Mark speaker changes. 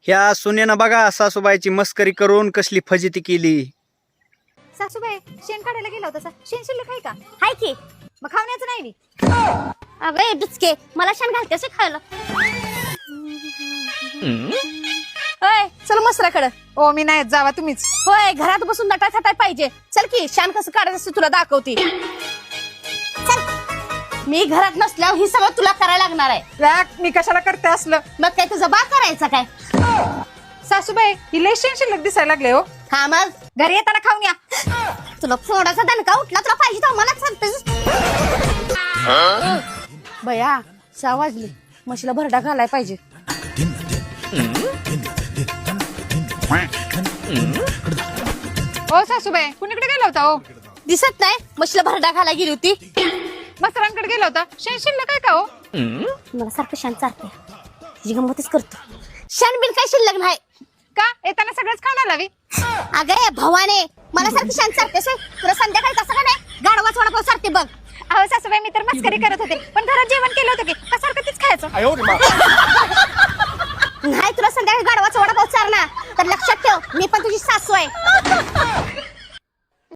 Speaker 1: ह्या सुनेनं बघा सासूबाईची मस्करी करून कसली फजिती केली.
Speaker 2: सासूबाई शेण काढायला गेला होता शेण शिल्लक आहे का? हाय की. मग खावण्याचं नाही मी.
Speaker 3: अगं डुचके मला शेण घालतेस खायला. होय चल मसराकडं.
Speaker 2: ओ मी नाही जावा तुम्हीच.
Speaker 3: होय घरात बसून नटा थाटाय पाहिजे. चल की शान कसं काढायचं असते तुला दाखवते. चल मी घरात नसल्यावर ही सगळं तुला करायला लागणार आहे.
Speaker 2: मी कशाला करते असलं?
Speaker 3: मग काय तुझं बा करायचं काय?
Speaker 2: सासूबाई ही लय शेण शिल्लक दिसायला लागले हो.
Speaker 3: हा मग
Speaker 2: घरी येताना खाऊन या.
Speaker 3: तुला फोडाचा दणका उठला तुला पाहिजे तर मला सांगतेस. बया 6 वाजले म्हशीला भरडा घालाय पाहिजे.
Speaker 2: ओ सासूबाई कुणीकडे गेला होता? ओ
Speaker 3: दिसत नाही म्हशीला भरडा घालाय गेली होती.
Speaker 2: मस्तरांकडे गेला होता. शेण शिल्लक आहे का? हो
Speaker 3: मला सारखं शान चालते तिची गंमतच करतो. शान बिन काय शिल्लक नाही
Speaker 2: का? येताना सगळंच खाणार लावी.
Speaker 3: अगं भवाने मला सारखी शान चालतेस. तुला संध्याकाळी कसं का नाही गाडवाच वडापाव सारते बघ.
Speaker 2: अहो सासूबाई मी तर मस्करी करत होते पण घरात जेवण केलं होतं की सारखं तीच खायचं.
Speaker 3: नाही तुला संध्याकाळी गाडवाचा वडापाव चारला तर लक्षात ठेव मी पण तुझी सासू आहे.